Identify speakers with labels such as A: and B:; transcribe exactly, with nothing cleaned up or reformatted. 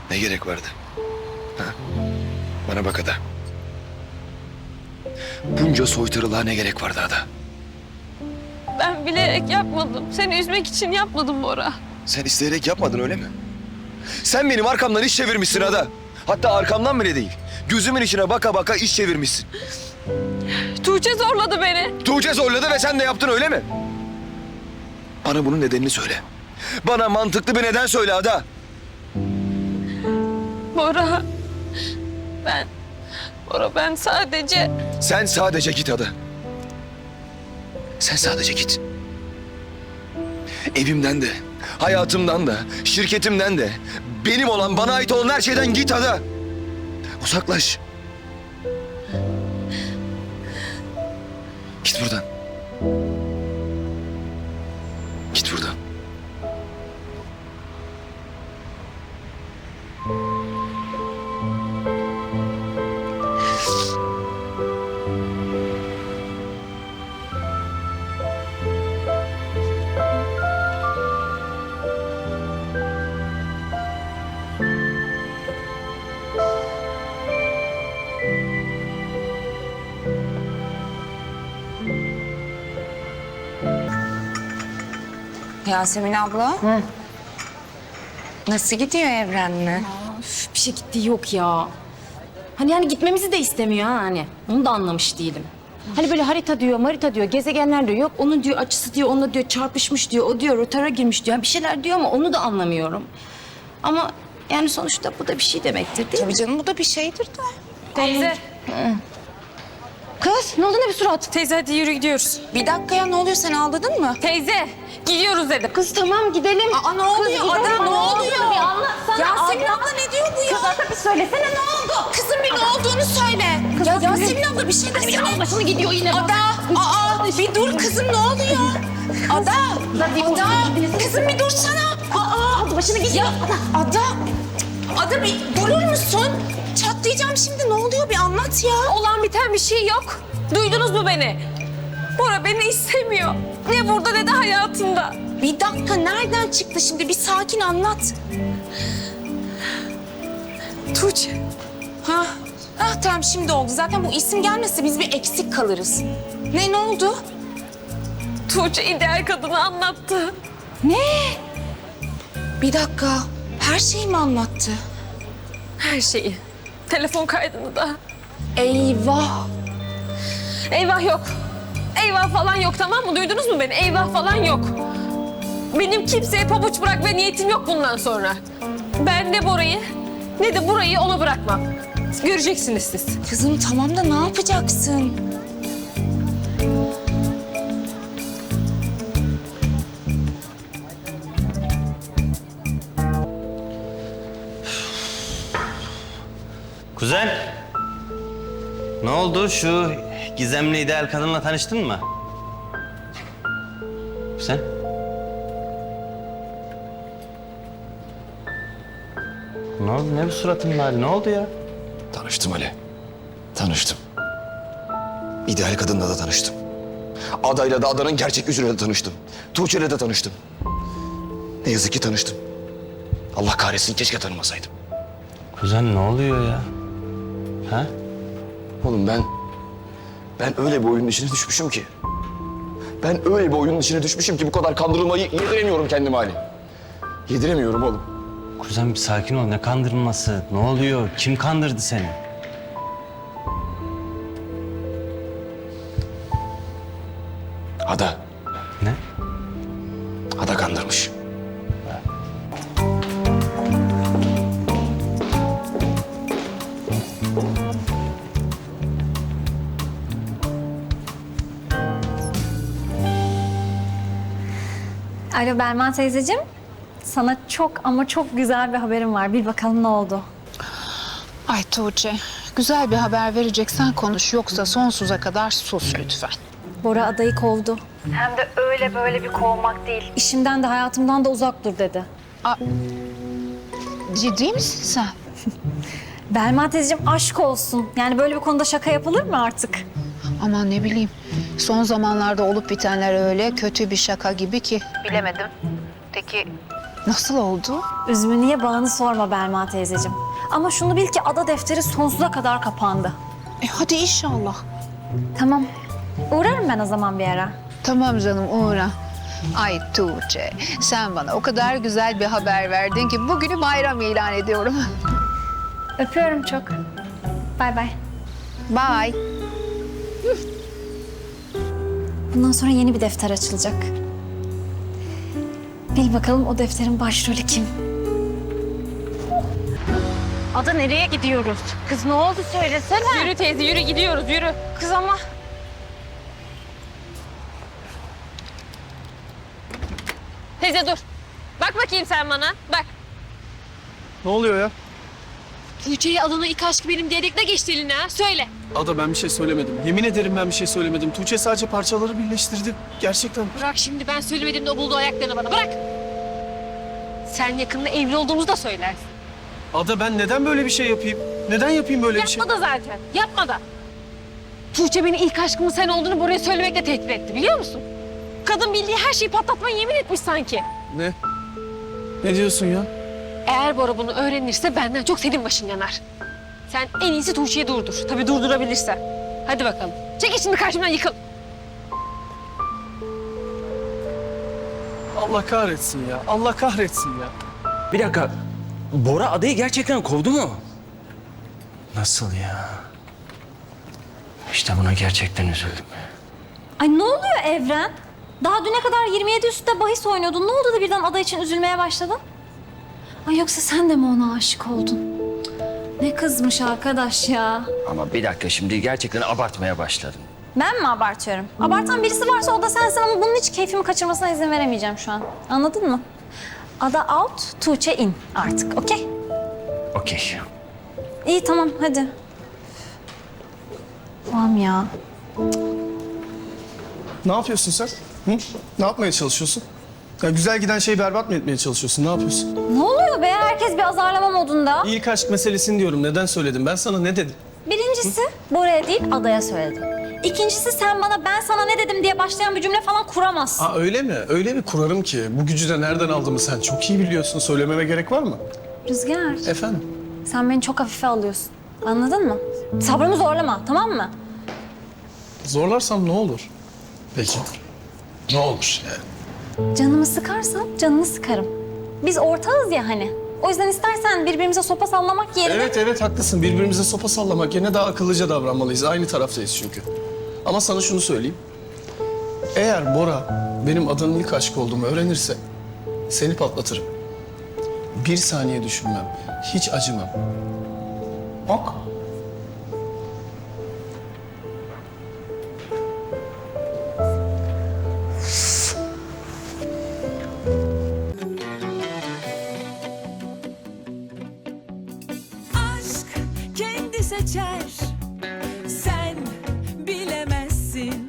A: Ne gerek vardı? Ha? Bana bak Ada. Bunca soytarılığa ne gerek vardı Ada?
B: Ben bilerek yapmadım. Seni üzmek için yapmadım Bora.
A: Sen isteyerek yapmadın öyle mi? Sen benim arkamdan iş çevirmişsin Ada. Hatta arkamdan bile değil. Gözümün içine baka baka iş çevirmişsin.
B: Tuğçe zorladı beni.
A: Tuğçe zorladı ve sen de yaptın öyle mi? Bana bunun nedenini söyle. Bana mantıklı bir neden söyle Ada.
B: Bora. Ben... Bora ben sadece...
A: Sen sadece git Ada. Sen sadece git. Evimden de, hayatımdan da, şirketimden de, benim olan, bana ait olan her şeyden git Ada. Uzaklaş. Git buradan. Git buradan.
C: Yasemin abla.
D: Hı.
C: Nasıl gidiyor Evren'le?
D: Üf, bir şey gittiği yok ya. Hani yani gitmemizi de istemiyor ha hani. Onu da anlamış değilim. Hani böyle harita diyor, marita diyor, gezegenler diyor. Yok onun diyor açısı diyor, onunla diyor çarpışmış diyor. O diyor rotara girmiş diyor. Yani bir şeyler diyor ama onu da anlamıyorum. Ama yani sonuçta bu da bir şey demektir değil mi?
C: Tabii canım bu da bir şeydir de.
B: Teyze.
D: Kız ne oldu ne bir surat?
B: Teyze hadi yürü gidiyoruz.
C: Bir dakika ya ne oluyor sen ağladın mı?
B: Teyze gidiyoruz dedim.
D: Kız tamam gidelim.
C: Aa ne oluyor
D: gidelim.
C: Ada ne oluyor?
D: Bir anlatsana.
C: Yasemin
D: abla.
C: abla ne diyor bu ya?
D: Kız Ada bir söylesene ne oldu?
C: Kızım bir ne olduğunu söyle. Ya Yasemin abla bir şey desene.
D: Bir başını gidiyor yine.
C: Ada, aa bir dur kızım ne oluyor? Ada, Ada, kızım bir dursana. Aa,
D: Aldı başını gidiyor.
C: ya Ada, Ada bir durur musun? Çatlayacağım şimdi ne oluyor bir anlat ya.
B: Olan biten bir şey yok. Duydunuz mu beni? Bora beni istemiyor. Ne burada ne de hayatında.
C: Bir dakika nereden çıktı şimdi bir sakin anlat.
B: Tuğçe.
C: Ha, ha tamam şimdi oldu. Zaten bu isim gelmese biz bir eksik kalırız. Ne ne oldu?
B: Tuğçe ideal kadını anlattı.
C: Ne? Bir dakika. Her şeyi mi anlattı?
B: Her şeyi. Telefon kaydını da.
C: Eyvah.
B: Eyvah yok. Eyvah falan yok tamam mı? Duydunuz mu beni? Eyvah falan yok. Benim kimseye pabuç bırakma niyetim yok bundan sonra. Ben ne Bora'yı ne de burayı ona bırakmam. Göreceksiniz siz.
C: Kızım tamam da ne yapacaksın?
E: Kuzen, ne oldu? Şu gizemli ideal kadınla tanıştın mı? Sen? Ne oldu? Ne bu suratın hali? Ne oldu ya?
A: Tanıştım Ali. Tanıştım. İdeal kadınla da tanıştım. Adayla da adanın gerçek yüzüyle de tanıştım. Tuğçe'yle de tanıştım. Ne yazık ki tanıştım. Allah kahretsin keşke tanımasaydım.
E: Kuzen ne oluyor ya? Ha?
A: Oğlum ben... Ben öyle bir oyunun içine düşmüşüm ki. Ben öyle bir oyunun içine düşmüşüm ki bu kadar kandırılmayı yediremiyorum kendime Ali. Yediremiyorum oğlum.
E: Kuzen bir sakin ol. Ne kandırılması? Ne oluyor? Kim kandırdı seni?
A: Ada.
E: Ne?
A: Ada kandırmış.
F: Alo Berman teyzeciğim. Sana çok ama çok güzel bir haberim var. Bir bakalım ne oldu?
G: Ay Tuğçe, güzel bir haber vereceksen konuş. Yoksa sonsuza kadar sus lütfen.
F: Bora adayı kovdu. Hem de öyle böyle bir kovmak değil. İşimden de hayatımdan da uzak dur dedi.
G: Ciddi misin sen?
F: Berman teyzeciğim aşk olsun. Yani böyle bir konuda şaka yapılır mı artık?
G: Aman ne bileyim. Son zamanlarda olup bitenler öyle kötü bir şaka gibi ki. Bilemedim. Peki Nasıl oldu?
F: Üzümü niye bağını sorma Belma teyzeciğim. Ama şunu bil ki ada defteri sonsuza kadar kapandı.
G: E hadi inşallah.
F: Tamam. Uğrarım ben o zaman bir ara.
G: Tamam canım uğra. Ay Tuğçe, sen bana o kadar güzel bir haber verdin ki bugünü bayram ilan ediyorum.
F: Öpüyorum çok. Bay bay.
G: Bye.
F: Bundan sonra yeni bir defter açılacak. Bil bakalım o defterin başrolü kim?
D: Ada nereye gidiyoruz? Kız ne oldu söylesene.
B: Yürü teyze yürü gidiyoruz yürü.
D: Kız ama.
B: Teyze dur. Bak bakayım sen bana. Bak.
H: Ne oluyor ya?
B: Tuğçe'yi adına ilk aşkı benim diyerek ne geçti eline ha? Söyle.
H: Ada ben bir şey söylemedim. Yemin ederim ben bir şey söylemedim. Tuğçe sadece parçaları birleştirdi. Gerçekten.
B: Bırak şimdi ben söylemedim de o buldu ayaklarını bana. Bırak. Sen yakında evli olduğumuzu da söylersin.
H: Ada ben neden böyle bir şey yapayım? Neden yapayım böyle bir şey?
B: Yapma da zaten. Yapma da. Tuğçe beni ilk aşkımın sen olduğunu buraya söylemekle tehdit etti biliyor musun? Kadın bildiği her şeyi patlatmaya yemin etmiş sanki.
H: Ne? Ne diyorsun ya?
B: Eğer Bora bunu öğrenirse benden çok senin başın yanar. Sen en iyisi Tuğçe'yi durdur. Tabii durdurabilirsen. Hadi bakalım. Çekil şimdi karşımdan yıkıl.
H: Allah kahretsin ya. Allah kahretsin ya.
E: Bir dakika. Bora adayı gerçekten kovdu mu? Nasıl ya? İşte buna gerçekten üzüldüm.
F: Ay ne oluyor Evren? Daha düne kadar yirmi yedi üstte bahis oynuyordun. Ne oldu da birden ada için üzülmeye başladın? Ay yoksa sen de mi ona aşık oldun? Cık, ne kızmış arkadaş ya.
E: Ama bir dakika şimdi gerçekten abartmaya başladın.
F: Ben mi abartıyorum? Abartan birisi varsa o da sensin ama bunun hiç keyfimi kaçırmasına izin veremeyeceğim şu an. Anladın mı? Ada out, Tuğçe in artık, okey?
E: Okey.
F: İyi tamam hadi. Tamam ya.
H: Ne yapıyorsun sen? Hı? Ne yapmaya çalışıyorsun? Ya güzel giden şeyi berbat mı etmeye çalışıyorsun? Ne yapıyorsun?
F: Ne oluyor be? Herkes bir azarlama modunda.
H: İlk aşk meselesini diyorum. Neden söyledim? Ben sana ne dedim?
F: Birincisi Bora'ya değil adaya söyledim. İkincisi sen bana ben sana ne dedim diye başlayan bir cümle falan kuramazsın.
H: Aa öyle mi? Öyle bir kurarım ki. Bu gücü de nereden aldığımı sen çok iyi biliyorsun. Söylememe gerek var mı?
F: Rüzgar,
H: Efendim?
F: sen beni çok hafife alıyorsun. Anladın mı? Sabrımı zorlama, tamam mı?
H: Zorlarsam ne olur? Peki. Ne olur yani?
F: Canımı sıkarsan canını sıkarım. Biz ortağız ya hani. O yüzden istersen birbirimize sopa sallamak yerine...
H: Evet evet haklısın. Birbirimize sopa sallamak yerine daha akıllıca davranmalıyız. Aynı taraftayız çünkü. Ama sana şunu söyleyeyim. Eğer Bora benim adanın ilk aşkı olduğumu öğrenirse seni patlatırım. Bir saniye düşünmem. Hiç acımam. Ok.
I: Aşk kendi seçer